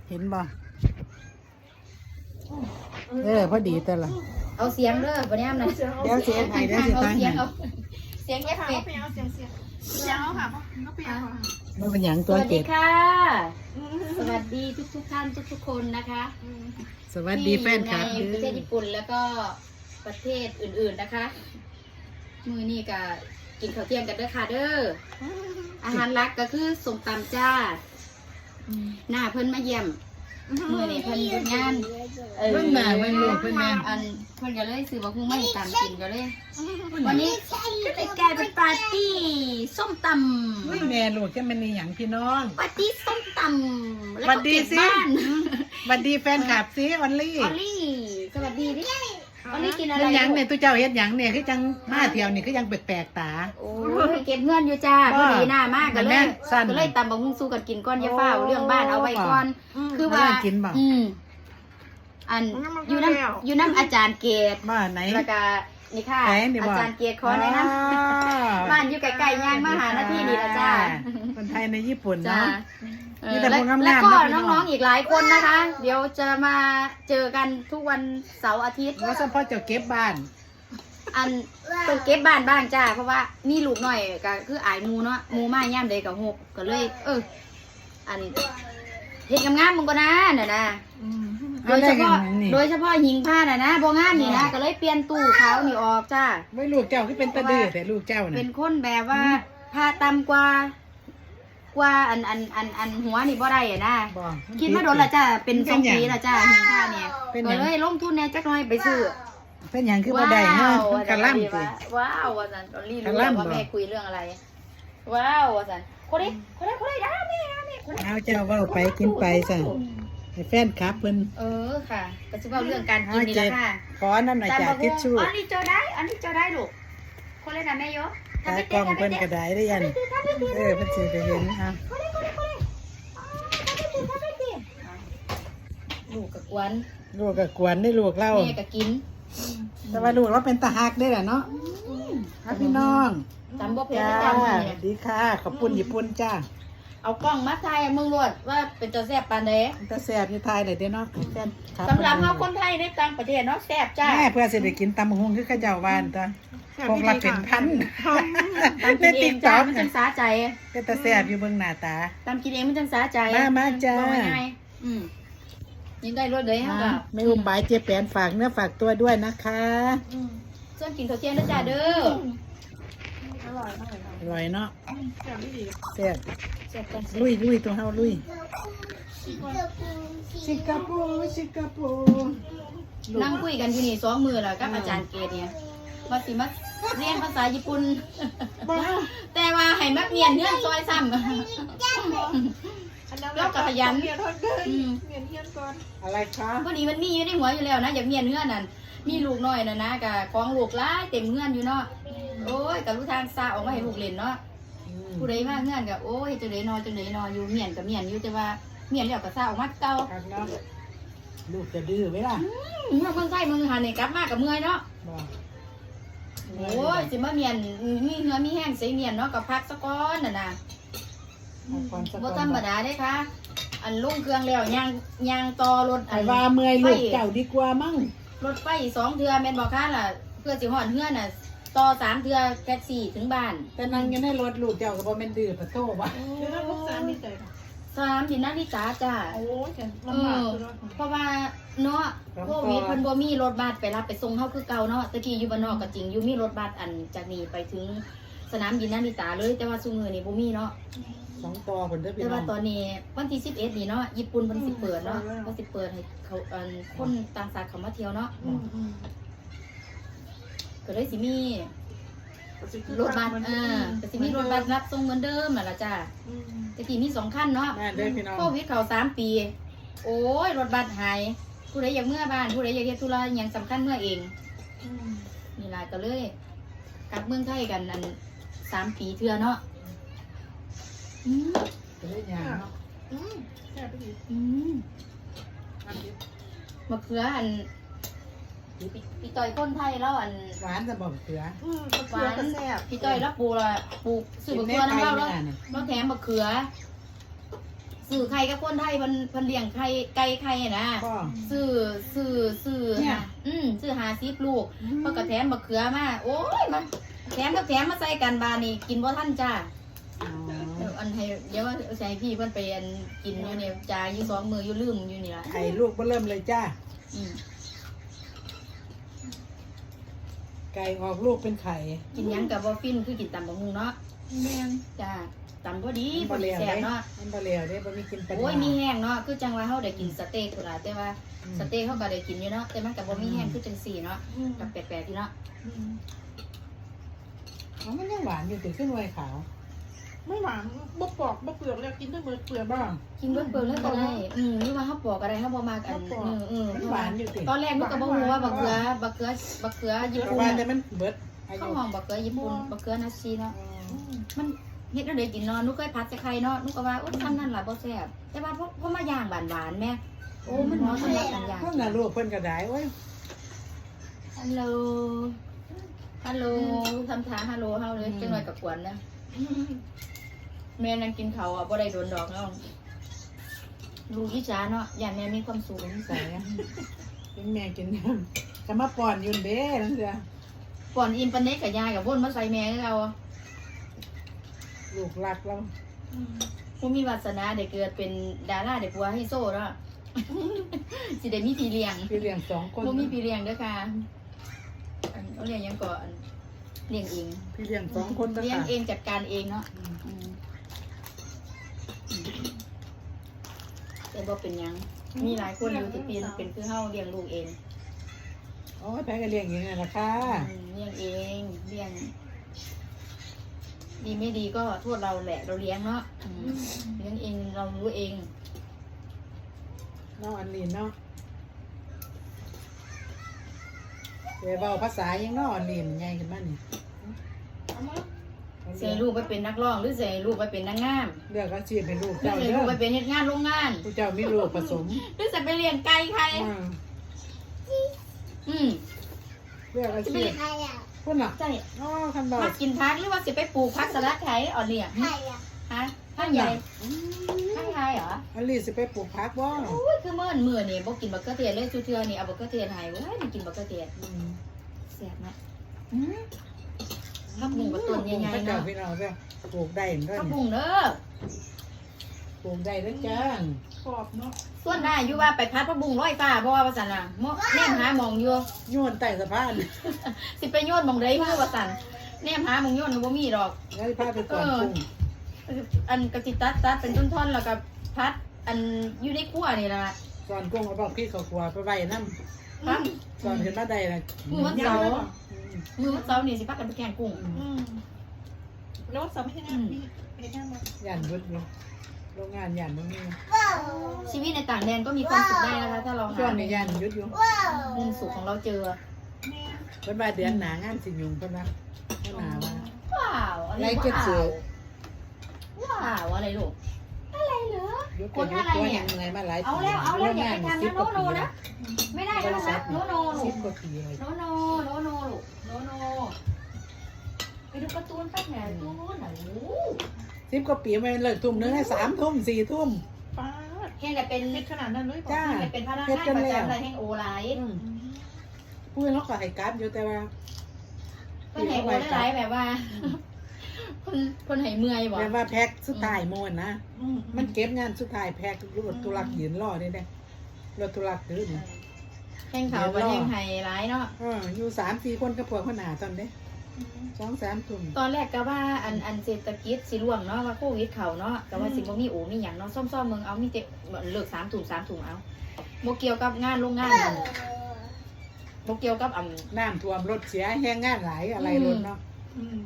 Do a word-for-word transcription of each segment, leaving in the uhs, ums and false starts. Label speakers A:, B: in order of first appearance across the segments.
A: เห็นบ่เออพอดีแต่ละ
B: เอาเสียงเด้อบ่แน่นนะ
A: เดี๋ยวเสียงให้เดี๋ยวสิตั้งให้
B: เสียงเอฟเฟกต์
C: ไปเอาเสียงเสียงเสียงเอาค่ะก็ไปเอาค่ะ
A: มันเป็นหยัง
B: ส
A: ตัว
B: วัส
A: เจ็
B: ดี
A: ด
B: ค่ะสวัสดีทุกทุกท่านทุกทุกคนนะคะ
A: สวัสดีแฟนคลับ
B: ที่อยู่ในประเทศญี่ปุ่นแล้วก็ประเทศอื่นๆนะคะมือนี่ก็กินข้าวเที่ยงกันเด้อค่ะเด้ออาหารหลักก็คือส้มตำจ้าหน้าเพิ่นมาเยี่ยมมือนี่เพิ่นทำงานเออ
A: เพิ่นมาเพิ่นลูกเพิ่นมา
B: อันเพิ่นก็เลยซื้อบักหุ่งมาให้ตามกินก็เลยวันนี้ก็เลยกลายเป็นปาร์ตี้ส้มตำ
A: อุ้ยแม่ลูกจะมันมีหยังพี่น้อง
B: ปาร์ตี้ส้มตำแล้ว
A: สวั
B: ก็
A: สดี
B: เก็บ
A: สิ
B: บ้าน
A: สวัสดีแฟนคลับสิออนลี่
B: ออลลี่สวัสดีดิออลลี่กินอะไร
A: เป็นหยังเนี่ยตัวเจ้าเฮ็ดหยังเนี่ยคือจังมาเที่ยวนี่คือยังแปลกๆตา
B: โอ้ยเก็บเงินอยู่จ้าพอดีหน้ามากก็เล
A: แม่
B: ย
A: สั้น
B: ก็เลยตำบักหุ่งสู้กันกินก้อนอยาเฝ้าเรื่องบ้านเอาไว้ก่อน คือว่า
A: แล้วกินบ่
B: อืมอันอยู่น้ำอยู่น้ำอาจารย์เกต
A: บ้านไหน
B: แล้วก็นี่ค่ะ
A: ไหนนี่บ่
B: อาจารย์เกตขอแนะนำบ้านอยู่ไกลๆย่างมาหาหน้าที่นี่ละจ้า
A: คนไทยในญี่ปุ่น
B: จ้า
A: เนาะ
B: เออ
A: มีแต่
B: แล้ว
A: พวกงามๆ
B: แล้วก็
A: นะพี่น้
B: น้
A: อ
B: อง งๆอีกหลายคนนะคะ เดี๋ยวจะมาเจอกันทุกวันเสาร์อาทิตย์
A: ว่าเฉพาะเจ้าเก็บบ้าน
B: อันต้องเก็บบ้านบ้างจ้าเพราะว่ามีลูกหน่อยก็คืออายหมูเนาะหมูมาย่ามใดกับหกก็เลย เออ อันเห็ดงามๆมึงก็นะน่ะนะโดยเฉพาะโดยเฉพาะหิงผ้าน่ะนะบ่งามนี่นะก็เลยเปลี่ยนตู้ขาวนี่ออกจ้า
A: ไม่ลูกเจ้าคือเป็นตะดื้อแต่ลูกเจ้าน่ะ
B: เป็นคนแบบว่าผ้าต่ำกว่ากว่าอันอันอันอันหัวนี่บ่ได้อะนะ
A: บ่
B: คิดมาโดนละจ้าเป็นสองปีละจ้าหิงผ้าเนี่ย
A: เป็นห
B: ก็
A: ยัง
B: เลยลงทุนแหน่จักหน่อยไปซื้อ
A: เป็นหยังคือบ่ได้เนาะมันกะล่ำสิ
B: ว้าวว่าสันตอนรีรู้
A: กะ
B: แล้ว
A: ล่ำ
B: ว่า
A: บ่
B: แม่คุยเรื่องอะไร ว้าวว่าสันคนนี้คนนี้คนนี้นะแม่นะแม่คนนี้
A: เอาเจ้าเว้าไปกินไปซะให้แฟนคลับเพิ่น
B: เออค่ะก็จะว่าเรื่องการกินนี่แหละค่ะ
A: ขอนั่นหน่อยจ้ะทิชชู่
B: อันนี้เจอได้ อันนี้เจอได้ลูกคนเลยนะแม่ยก
A: ตากล้องเพิ่นก็ได้ได้ยันเออเพิ่นสิไปเห็นเอา
B: ลูกกับกวน
A: ลูกก็กวนได้ลูกเล่า
B: แม่กับกิน
A: แต่ว่าลูกเราเป็นตาฮักได้แหละเนาะครับพี่น้อง
B: จำบ่เพีย
A: จ้าง
B: จำเนี่ย
A: ดีค่ะขอบคุณญี่ปุ่นจ้า
B: เอากล้องมาถ่ายมึงรวดว่าเป็นตัวแซ่บปานใด
A: ตาแซ่บอยู่ไทยเลยเด้อเนาะแฟนคลับ
B: สำหรับเราคนไทยในต่างประเทศเนาะแซ่บจ้า
A: แม่เพื่อสิได้กินตำบักหุ่งคือเขาเจ้าบ้านตาพวกละเป็นพัน
B: ตาม
A: ใน
B: กินเอ
A: ติ๊
B: ง
A: กต็
B: จ้า
A: อก
B: มันจังสาใจ
A: เป็นตาแซ่บอยู่เบิ่งหน้าตา
B: ตามกินเองมันจังสาใจ
A: มามาจ้า
B: บอกง่ายๆอืมยิงได้รถเลยฮะ
A: อ่ะไม่อุ้มบายเจ๊แปนฝากเนื้อฝากตัวด้วยนะคะ
B: ส่วนกินข้าวเที่ยงนะจ้าเด้อ
C: อร่อยมากเลย
A: อร่อยเนาะ
C: แซ่บไม่ดี
A: แซ่บ
B: แซ่บกัน
A: ลุยลุยตัวเฮาลุยสิงคโปร์สิงคโปร์
B: นั่งคุยกันอยู่นี่สองมือแล้วกับอาจารย์เกดเนี่ยมาสิมาเรียนภาษาญี่ปุ่น แต่ว่าให้มักเมียนเงื่อนซอยซ้ำ แล้วก็ขยัน
C: เมียนทอดเกิน
B: อืม
C: เมียนเฮียนก่อน
A: อะไรคะ
B: พอดีมันมีอยู่ในหัวอยู่แล้วนะอยากเมียนเงื่อนนั่นมีลูกน้อยน่ะนะกับของลูกหลายเต็มเงื่อนอยู่เนาะโอ้ยกับรู้ทางซาออกมาให้ลูกเล่นเนาะผู้ใดมาเงื่อนกับโอ้ยจังไดนอนจังไดนอนอยู่เมียนกับเมียนอยู่แต่ว่าเมียนแล้วก็ซาออกมาเก่า
A: ครับเนาะลูกจะดื้อไหมล่ะ
B: เมื่อเมืองไทยเมืองหันนี่กลับมากับเมื่อยเนาะ
A: บอก
B: โอ้ยสิมาเมียนมีเหือมีแห้งใส่เมียนเนาะกับพักสะก้อนน่ะนะ
A: เอาก่อนสัก
B: บ่
A: ก่อน
B: ธรรมดาเด้ค่ะ อันลุ่งเครื่องแล้วยางยางต่อรถ
A: ไอ้ว่าเมื่อยลูกเจ้าดีกว่ามั้ง
B: รถไฟสองเทือแม่นบ่ค่ะล่ะเพื่อสิฮอดเฮือนน่ะต่อสามเทือแท็กซี่ถึงบ้าน
A: แต่นั่งอยังได้รถลูกเจ้าก็บ่แม่นดื้อปะโตวะ
C: เดี๋ยวเราลูกสาวมีใจค่ะ
B: สามดินนาฬิกาจ้า
C: โอ้ยฉัน
B: เอ
C: ลำบาก
B: อ
C: คือรถ
B: เพราะว่าเนาะโควิดเพิ่นบ่มีรถบัสไปรับไปส่งเฮาคือเก่าเนาะตะกี้อยู่บ้านนอกก็จริงอยู่มีรถบัสอันจากนี้ไปถึงสนามบินนาริตาเลยแต่ว่าซุมื้อนี้บ่มีเนาะ
A: สองต่อผลได้อพี่
B: แต่
A: น้อ
B: ว่าง ตอนนี้วันที่สิบเอ็ดนี่เนาะญี่ปุ่นเพิ่นสิเปิดเนาะเพิ่นสิเปิดให้เขาอันคนต่างชาติเข้ามาเที่ยวเนาะ
C: อืมอืม
B: ก็เลยสิมีรถบัสเออก็สิมีรถบัสรับส่งเหมือนเดิมนั่นล่ะจ้า
C: อืม
B: ตะกี้มีสองคันเนาะ
A: แม่เด้อพี่น้อง
B: โควิดเข้าสามปี โอ้ยรถบัสหายผู้ใดอยากเมื่อบ้านผู้ใดอยากเฮ็ดธุระอหยังสำคัญเมื่อเอง
C: อืม
B: นี่ล่ะก็เลยกลับเมืองไทยกันอันสามปีเทื่อเนาะอืม
A: จะได้ยางเนาะ
C: อืมแซ่บไม่ดี
B: อืม
C: อันนี้
B: มะเขืออันพี่พี่ต้อยคนไทยแล้วอัน
A: หวานจะบอกเสือ
C: อืมมะเขือก็แซ่บ
B: พี่ต้อยแล้วปลูกละปลูกซื้อมะเขือน้ำเล่าแล้วเราแถมมะเขือซื้อไข่กับคนไทยเพิ่นเพิ่นเลี้ยงไข่ไก่ไข่นะ
A: ก็
B: ซื้อซื้อซื้อ
A: เนี่ย
B: อืมซื้อหาซิบลูกเพราะกระแถมบักเขือมาโอ้ยมันแถมกับแถมมาใส่กันบานี่กินบ่ทันจ้า
A: อ๋อ
B: เดี๋ยวอันให้เดี๋ยวว่าใส่พี่เพิ่นไปอันกินอยู่เนี่ยจ่ายอยู่สองมืออยู่ลืมอยู่นี่ล่ะ
A: ไข่ลูกก็เริ่มเลยจ้า
B: อืม
A: ไก่ออกลูกเป็นไข่
B: กินหยังกับบ่ฟินคือกินตำบักหุ่งเนาะ
C: แม่น
B: จ้าตำพอดี
A: มัน
B: พอ
A: บ่
B: ดี
A: แล้ว
B: แซ่บ
A: เด้
B: เนาะ
A: มันบ่แล้วเด้บ่มีกินปัญ
B: โอ้ย
A: ญา
B: มีแห้งเนาะคือจังว่าเฮาได้กินสเต็กพุ่นล่ะแต่ว่า
A: อืม
B: สเต็กเฮาก็ได้กินอยู่เนาะแต่มันก็บ่มีแห้งคือจังซี่เนาะ
C: อืม
B: กับแปลกๆที่เนาะ
C: อืม
A: อ๋อมันยังหวานอยู่ติขึ้นไวขาว
C: ไม่หวานบ่ปอกบ่เปลือกแล้วกินได้เบิดเปลือก
A: บ้าง
B: กินเบิ่เบิ่เลยก็ได้อืมหรือว่าเฮาปอกก็ได้เฮาบ่มักอัน
C: เฮาปอก
B: อืมอืม
A: มันหวานอยู่ติ
B: ตอนแรกหนูก็บ่ฮู้ว่าบักเขือบักเขือบักเขือญี่
A: เพ
B: ปุ่
A: ราะ
B: น
A: ว่าแต่
B: น่ะ
A: มันเบิดอา
B: เขา
A: ยุ
B: ห้องบักเขือญี่ปุ่นบักเขือนาซีเนาะ
A: อ๋อ
C: อืม
B: มันเฮ็ดแล้วได้กินเนาะหนูเคยผัดใส่ไข่เนาะหนูก็ว่าโอ้ทำนั่นล่ะบ่แซ่บแต่ว่าพอพอมาย่างหวานๆแม่โอ้มันเหมาะสำหรับการย่าง
A: เพิ่นน่ะลูกเพิ่นก็ได้โอ้ย
B: ฮัลโหลฮัลโหลทำท่าฮัลโหลเฮาเลยจังหน่อยกับกวนนะแม่นั่งกินข้าวอ่ะบ่ได้โดนดอกเนาะลูกอีจ๋าเนาะย่านแม่มีความสุข
A: นิสัยอะกินแม่กินน้ำจะมาป้อนอยุ่นเด้นั่นเสีย
B: ก่อนอิมปานเนกกับยายกับวนมาใส่แม่ให้เรา
A: ลูกรักเรา
C: อืม
B: ผู้มีวาสนาได้เกิดเป็นดาราได้ปัวให้โซ่เนาะ สิได้มีพี่เลี้ยง
A: พี่เลี้ยงสองคน
B: ผู้มีพี่เลี้ยงเด้อค่ะอันเอาเลี้ยงหยังก่อนเลี้ยงเอง
A: พี่เลี้ยงสองคนนะ
B: เลี้ยง
A: คะ
B: เองจัดการเองเนาะ
A: อืม
B: อืมแต่บ่เป็นหยังมีหลายคนอยู่ที่เป็นเป็นคือเฮาเลี้ยงลูกเอง
A: โอ้ยแพ้ก็เลี้ยงอย่างนี้แหละค่ะ
B: อืมเลี้ยงเองเลี้ยง ดีไม่ดีก็โทษเราแหละเราเลี้ยงเนาะอืมเลี้ยงเองเรารู้เอง
A: น้องอันลีนเนาะเดี๋ยวเบาภาษายังน้องอันลีนไงขึ้นมานี่
C: เอามา
B: เสียลูกไปเป็นนักร้องหรือเสียลูกไปเป็นนางงาม
A: เลือกอาชีพเป็นลูก
B: หรือ
A: เจ้า
B: เสีย
A: เด้
B: ลู
A: อก
B: ไปเป็นเฮ็ดงานโรงงาน
A: ผู้เจ้ามีลูกผสม
B: หรือจะไปเลี้ยงไก่ใคร
A: อ่า
B: อืม
A: เลือกอา
B: จะไป
A: ชีพ
B: เลี้ยงใครอ่ะ
A: คนน่ะ
B: ใช่
A: อ๋อคันเบา
B: มากินพักหรือว่าสิไปปลูกพักสลัดไข่อ่อนเนี่ย
C: ใครอ่ะ
B: ฮะพักใหญ่พักใหญ่เหรอ
A: อันลีนสิไปปลูกผักบ่
B: โอ้ยคือเมื่อมื้อนี่บ่กินบักเกอร์เทียนเลยชูเทือนี่เอาบักเกอร์เทียนให้เว้ยไม่กินบักเกอร์เทียน
A: อืม
B: แซ่บนะอืมผักบุ้งกับต้นใหญ่ๆ
A: เจ้า
B: เนาะ
A: พี่น้องเด้อปลูกได้เด้อ
B: ผัก
A: นี่
B: บุ้งเด้อ
A: ปลูกได้เด้อจ้า
C: กรอบเนาะ
B: ส่วนได้อยู่ว่าไปพัดผักบุ้งร้อยฟ้าบ่ว่าว่าซั่นน่ะหมอแนมหาหมองอยู่
A: โยนใต้สะพาน
B: สิไปโยนหมองใดคือว่าซั่นแนมหาหมองโยนก็บ่มีดอก
A: แล้วพาไปก่อนกุ้ง
B: อันกะสิตัดตัดเป็นท่อนๆแล้วก็พัดอันอยู่ในครัวนี่ล่ะ
A: ก่อนกุ้งเอาบอกพี่เขาครัวไปไว้น้
B: พัก
A: ำก่อนขึ้นมาได้นะ
B: มื้อวันเสาร์มื้อวันเสาร์นี่สิพักกันไปแกงกุ้ง
C: อืมแล้วสามีให้งานมีไปงานมา
A: ย่านบุดอยู่โรงงานย่านตรงนี้
B: ชีวิตในต่างแดนก็มีความสุขได้นะคะถ้าเรา
A: ช่ว
B: หาง
A: นี้ย่านยุดอยู่
B: มุมสุขของเราเจอ
C: แม่
A: เพิ่นว่าเดือนหนางานสิยุงเพิ่นว่าเพิ่นหนาว่า
B: ว้าวอะไร
A: ไล่เก็บเสือ
B: ว้าวอะไรลูกอะไรเหรอ
A: ยุด
B: ค
A: ก็
B: น
A: ยุ
B: อะ
A: ด
B: ไร
A: ตัว
B: เนี่
A: ยั
B: ย
A: งไงมาหลาย
B: เอาแล้วเอาแล้วอย่าไปทำนะโนโนนะไม่ได้นะลูกนะโนโนลู
A: สิ
B: ก
A: บกว่าปีเลย
B: โนโนโนโนลูกโนโนไปดูการ์ตูนแป๊บหน่อยตูนหน่อย
A: สิบกว่าปีไม่เลิกทุ่มนึงให้สามทุ่มสี่ทุ่ม
C: ป้าด
B: แห่งแต่เป็น
C: เฮ็ดขนาดนั้นเลยป่ะ
A: จ้า
B: แห่งแต่เป็นพนักงานประจำอะไรแห่งโอไลท์
A: อืมพูดแล้วก็ให้กราฟอยู่แต่ว่า
B: ก็แห่งโอไลท์แบบว่าคนคนให้เมื่อยบ่
A: แบบว่าแพ็คสุดท้ายโมนนะ
C: อืม
A: มันเก็บงานสุดท้ายแพ็ครถตุลักยืนรอได้เด้รถตุลักยืน
B: แห่งเขาก็แห่งไฮไลท์เนาะ
A: เอออยู่สามสี่คนกับพวกขนาดตอนเด้สองสามทุ่ม
B: ตอนแรกก็ว่าอันอันเศรษฐกิจสิร่วงเนาะว่าโควิดเขาเนาะก็ว่าสิบ่มีโอมีหยังเนาะซ่อมๆเมืองเอามีแต่เลิกสามถุงสามถุงเอาบ่เกี่ยวกับงานโรงงานนั่นบ่เกี่ยวกับอัน
A: น้ำท่วมรถเสียแห้งงานหลายอะไรรถเนาะ
C: อืม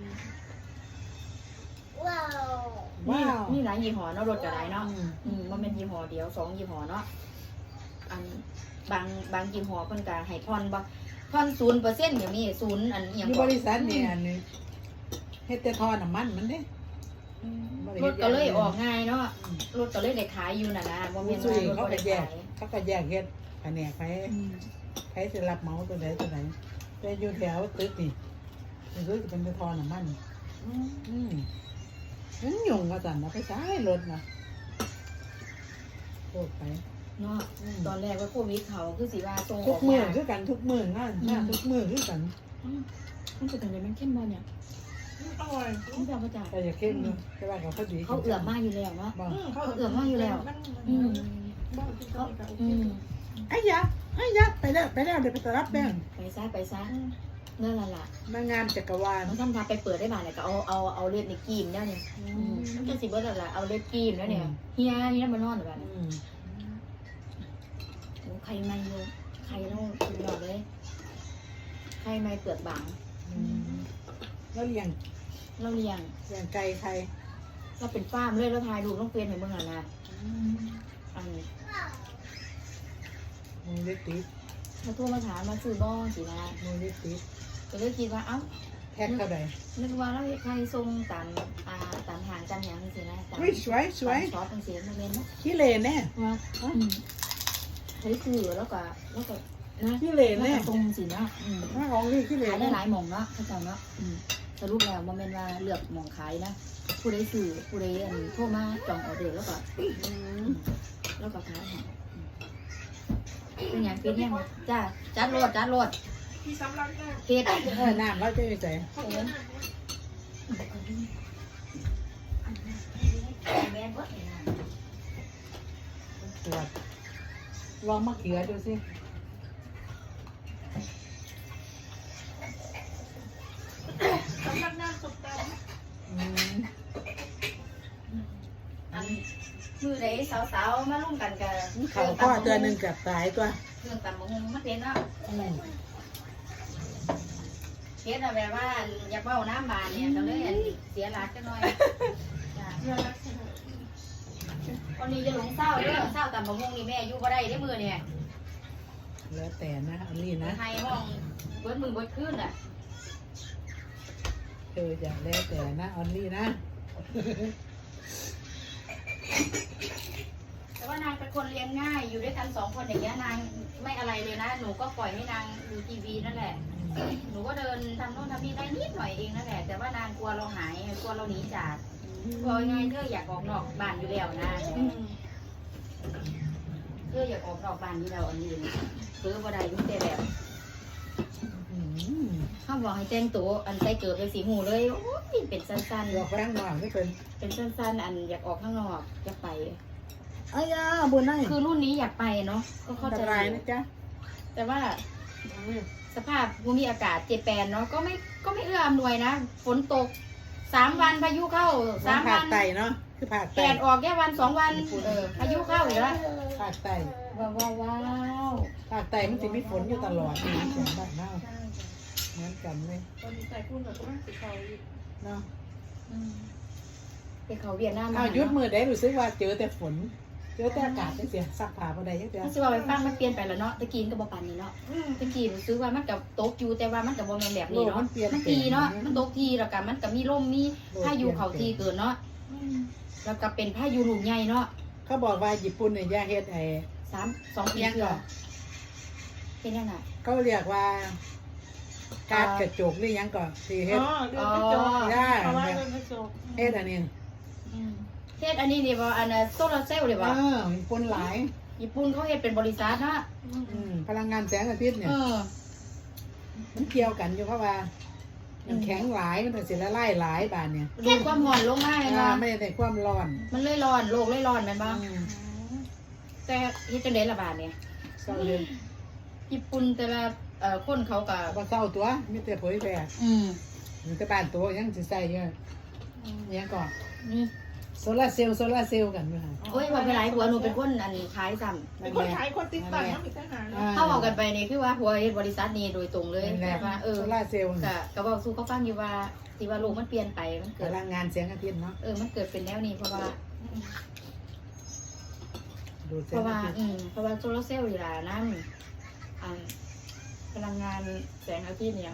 A: ว้า
B: มี
A: ว
B: มีหลายยี่ห้อเนาะรถก็หลายเนาะ
A: อืม
B: อืมบ่แม่นยี่ห้อเดียวสองยี่ห้อเนาะอันบางบางยี่ห้อเพิ่นก็ให้ผ่อนบ่ผ่อน ศูนย์เปอร์เซ็นต์ ก็มีศูนย์อันอิหยัง
A: อยู่บริษัทนี่อันนี้เฮ็ดแต่ทอน้ำมันมันเด้
B: รถก็เลยออกง่ายเนาะรถก็เลยได้ขายอยู่น่ะนะบ่แม่น
A: สุ
B: ว่าย รถ
A: เขา
B: บ่
A: ก็
B: ได้
A: แยก
B: ขาย
A: เขาก็แยกเฮ็ดแผนกไปใครจะรับเหมาตัวไหนตัวไหนแต่อยู่แถวตึกนี่มันคือเป็นแต่ทอน้ำมัน
C: อืม
A: อืมมันยุ่งว่าสั่นนะไปซ้ายรถนะโคตรไป
B: เนาะ
A: อืม
B: ตอนแรกว่าโควิดเขาคือสิว่าส่งอ
A: ทุ
B: อก ก
A: มือ
B: มา
A: คือกันทุกมืองานงานทุกมือคือกัน
B: อืมมันเป็นอะไรมันเข้มบ่เนี่ย
C: อร่อย
B: มันจะมาจาก
A: แต่อย่าเข้มเนาะแต่ว่าเขาพอดี
B: เขาเอือมมากอยู่แล้วเนาะ
A: บอก
B: เขาเอื้อมมากอยู่แล้ว อืม
C: บ้านที่เขา
B: อืม
A: ไอ้ยะไอ้ยะไปแล้วไปแล้วเดี๋ยวไปตรับแป้ง
B: ไปซะไปซะนั่นแหละล่ะ
A: มางานจักรวาล
B: มันทำทาไปเปิดได้บ้างเนี่ยก็เอาเอาเอาเลือดในกีมแล้วเนี่ยอืมมันจะสิเบิร์ดแล้วล่ะเอาเลือดกีมแล้วเนี่ยเฮียเฮียมานอนแบบ
A: อืม
B: โอ้ใครไม่เลยใครต้องสุดยอดเลยใครไม่เปลือกบาง
A: อืมแล้วเลี้ยง
B: เราเลี้ยง
A: เลี้ยงไก่ใคร
B: เราเป็นฟาร์มเลยเราทายดูต้องเปลี่ยนให้เมื่อไหร่นะอันนี้
A: มือเล็กติด
B: มาโทรมาถามมาซื้อบ้องสินะ
A: มือเล็กติด
B: ก็เลยคิดว่าเอ้า
A: แพ็คเท่าไหร่
B: นึกว่าเราใครทรงตามอ่าตามทางกันอย่างสินะตาม
A: อุ้ยสวยสวย
B: ตามช็อปต่างเสียมาเล่นเนาะ
A: ขี้เหร่แน่
B: ว่าอืมเฮ้ยคือแล้วก็แล้วก็นะ
A: ขี้เหร่
B: แล้ว
A: แน่
B: ก็ทรงสินะอืม
A: ถ้าของนี่ขี้เหร่
B: ขายได้
A: แน่
B: หลายหม่องเนาะเข้าใจเนาะอืมสรุปแล้วมันเป็นว่าเลือกหม่องขายนะผู้ใดซื้อผู้ใดอันโทรมาจองออเดอร์แล้วก็
A: อืม
B: แล้วก็ขายให้อืมเป็นอย่างเป็นยังจ้าจัดโหลดจัดโหลด
C: ที่ซ้ำรักได้
B: เฮ็ด
A: เออน้ำเราจะไปใส่
C: เขาเยอะมาก
B: แม่นบ่เนี่ยนะ
A: ตรวจลองมะเขือดูสิ
C: ซ้ำรักหน้าสุดตา
A: อืม
B: อันมือใดสาวๆมาร่วมกันกับ
A: เขาก็ตัวหนึ่งกับสายตัว
B: เครื่องตำบักหุ่งมาเฮ็ดเนาะ
A: อืม
B: เฮ็ดอะแบบว่าอยากเว้าน้ำบานเนี่ยก็เลยอันเสียหลักจังหน่อยจ้ะ
C: เรื่องรักใช่ไหม
B: วันนี้จะหลงเศร้าเด้อเศร้าตำบักหุ่งนี่แม่อยู่บ่ได้เด้อมื้อเนี่ย
A: แล้วแต่นะอันนี้นะ
B: ให้ห้องเบิดมือเบิดคืนอ่ะ
A: เธอจะแล้วแต่นะออนลี่นะ
B: แต่ว่านางเป็นคนเลี้ยงง่ายอยู่ด้วยกันสองคนอย่างเงี้ยนางไม่อะไรเลยนะ หนูก็ปล่อยให้นางดูทีวีนั่นแหละ หนูก็เดินทำโน่นทำนี่ได้นิดหน่อยเองนั่นแหละ แต่ว่านางกลัวเราหายกลัวเราหนีจากกลัวยังไงเธออยากออกนอกบ้านอยู่แล้วนะเธออยากออกนอกบ้านอยู่แล้วอันนี้คือบ่ได้ยุ่งแต่แบบ
A: อืม
B: เขาบอกให้แต่งตัวอันใส่เกิดเป็นสีหูเลยโอ้ยเป็นสั้น
A: หลอกแป้งหน่อยไม่เป็น
B: ๆ เป็นสั้นๆ อันอยากออกข้างนอกอยากไป
A: อ้ายาบุญได้
B: คือรุ่นนี้อยากไปเนาะก็เข้า
A: อัน
B: ใจ
A: ตรายนะจ๊ะ
B: แต่ว่าสภาพภูมิอากาศเจแปนเนาะก็ไม่ก็ไม่เอื้ออำนวยนะ ฝนตกสามวันพายุเข้าสาม
A: ผา
B: วั
A: ด
B: น
A: ไตเนาะคือผาด
B: แด
A: ไต
B: ดออกแค่วันสองวันเออพายุเข้าอีกแล้ว
A: ผาดไต
B: ว้าวว้าวว้าว
A: ผาดไตมันจะมีฝนอยู่ตลอดนะเสียงบ้านเน่าเหมือนกันเลย
C: ตอนนี้ใจคุณแบบก็ไม่ติดเขา
A: เนาะ
B: อืมไปเขาเวียดนาม
A: เอายุดมือได้รู้สึกว่าเจอแต่ฝน เจอแต่อากาศจังเสียซักผ้าบ่ได้จังเสีย
B: มันจะว่าไปฟังมันเปลี่ยนไปแล้วเนาะตะกี้มันก็บ่ปานนี้เนาะตะกี้รู้สึกว่ามันกับตกอยู่แต่ว่ามันกับบ่แม่นแบบ
A: โล
B: นี้
A: ก
B: เนาะ
A: มันเปลี่ยน
B: มันทีเนาะมันตกทีแล้วก็มันก็มีลมมีพายุเข้าทีเกินเนาะแล้วก็เป็นพายุลูกใหญ่เนาะ
A: เขาบอกว่าญี่ปุ่นเนี่ยอย่าเฮ็ดไอ้
B: สามสองปี
A: ยัง
B: เกือ
A: ก่อน
B: เป็นยังไง
A: เขาเรียกว่าการกระจกหรือยังก่อนที่เฮ็ด
C: อ๋อเรื่องกระจกเพราะว่าเรื่องกระจก
A: เฮ็ดอันนี้
B: เฮ็ดอันนี้นี่บ่อันน่ะโซลาร์เซลล์นี่
A: เอ
B: บ่
A: อญี่ปุ่นหลาย
B: ญี่ปุ่นเขาเฮ็ดเป็นบริษัทนะ
A: อืมพลังงานแสงอาทิตย์เนี่
B: เอย อ
A: มันเกี่ยวกันอยู่เพราะว่ามันแข็งหลายมันถึงสิละลายหลายบานเนี่ย
B: ดูดความร้อนลงมาเห็นบ่
A: อ่าไม่ได้ความร้อน
B: มันเลยร้อนโลกเลยร้อนแม่นบ่
A: อืม
B: แต่เฮ็ดจังได๋ล่ะบาดเนี่ย
A: เศร้าเลย
B: ญี่ปุ่นแต่ละเอ่อคนเขาก็
A: บ่เศร้าตัวมีแต่เผยแพร่
B: อืม
A: มีแต่บ้านตัวยังสิใส่เยอะยังก่อน
B: นี่
A: โซลาร์เซลล์โซลาร์เซลล์กันอยู่หั่น
B: โอ้ยว่าไปหลายผัวหนูเป็นคนอันขายซ้ำ
C: เป็นคนขายคนติดตั้งต้องมีทหาร
A: อ่
B: เข้าออกกันไปนี่คือว่าผัวเฮ็ดบริษัทนี้โดยตรงเลย
A: นั่นแห
B: แต่
A: ละ
B: ว่าเออ
A: โซลาร์เซลล์
B: ก็ก็บอกสู้เขาฟังอยู่ว่าที่ว่าโลกมันเปลี่ยนไปมัน
A: พ
B: เกิด
A: ลังงานแสงอาทิตย์เนาะ
B: เออมันเกิดเป็นแนวนี้เพราะว่า
A: ดูดแส
B: เพ
A: ง
B: ราะว่า
A: อาทิตย์
B: อืมเพราะว่าโซลาร์เซลล์อยู่ล่ะนั่นอ่าพลังงานแสงอาทิตย์เนี่ย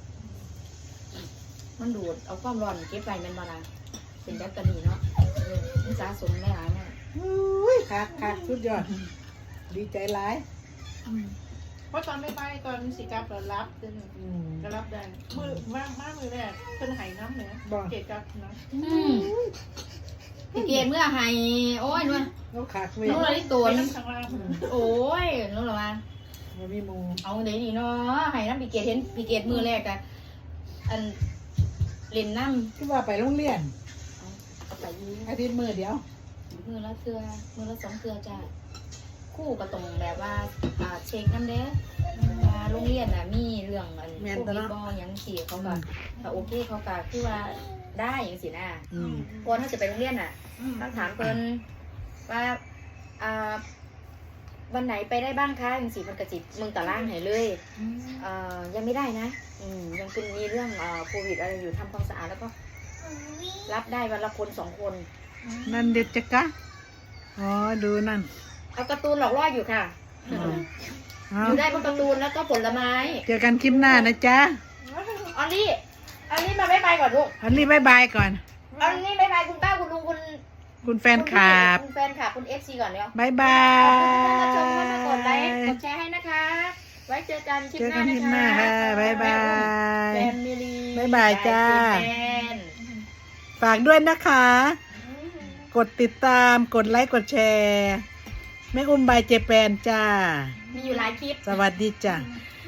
B: มันดูดเอาความร้อนเก็บไว้แมันบ่ล่ะเป็นแบตเตอรี่เนาะเออมันสะสมหลายๆเนี่ย
A: อุ้ยคักคักสุดยอด ดีใจหลาย
B: อืม
C: เพราะตอนไม่ไปตอนสิกับเรารับเดือน
A: อืม
C: ก็รับได้มือมากมากมือแรกเป็นหายน้ำเหนือเกตกับนะ
B: อืมพี่เกดเมื่อไห้โอ้ยนู่น
A: เราขาดเว้ย
B: นู่นอะไรตัว
C: ไป
B: นึง
C: น้ำข้างล่าง
B: โอ้ยนู่นหรอมา
A: มันมีหมู
B: เอาเดี๋ยวนี้เนาะไห้น้ำพี่เกดเห็นพี่เกดมือแรกอะอันเล่นน้ำ
A: ที่ว่าไปโรงเรียน
B: เอาไปยืม
A: อาทิตย์มือเดียว
B: มือละเกลือมือละสองเกลือจ้าคู่ก็ตรงแบบว่าอ่าเช็คน้ำเด้ว่าโรงเรียนน่ะมีเรื่องอันพวกนี้บอยังสี่เขาก็ถ้าโอเคเขาก็คือว่าได้อย่างสินะ
A: อืม
B: ก่อนถ้าจะไปโรงเรียนน่ะต้องถามเพิ่นว่าอ่าวันไหนไปได้บ้างคะอย่างสี่มันกระจิบมึงตารางให้เลยเอ่อยังไม่ได้นะอืมยังเป็นมีเรื่องเอ่อโควิดอะไรอยู่ทำความสะอาดแล้วก็รับได้วันละคนสองคน
A: นั่นเด็ดจักกะอ๋อดูนั่น
B: เอาการ์ตูนหลอกล่ออยู่ค่ะ
A: อ๋อเอา
B: อยู่ได้บนการ์ตูนแล้วก็ผลไม้
A: เจอกันคลิปหน้านะจ๊ะ
B: ออลลี่ออลลี่มาบ๊ายบายก่อนลูก
A: อันนี้บายบายก่อน
B: ออลลี่บ๊ายบายคุณป้าคุณลุงคุณ
A: คุณแฟนคลับ
B: คุณแฟนคลับคุณเอฟซีก่อนเดี๋ยว
A: บายบา
B: ขอบคุณที่เข้ามาชมเข้ามากดไลค์
A: ย
B: กดแชร์ให้นะคะ ไว้เจอกันคลิป
A: เจอ
B: ห
A: กั
B: น้าน
A: คลิป
B: นะ
A: ห
B: คะ
A: น้าค่ะบายบาย
B: แฟมิลี่
A: บ๊ายบายจ้า
B: แฟน
A: ฝากด้วยนะคะ กดติดตามกดไลค์กดแชร์แม่อุ้มบายเจแปนจ้า
B: มีอยู่หลายคลิป
A: สวัสดีจ้า
B: ส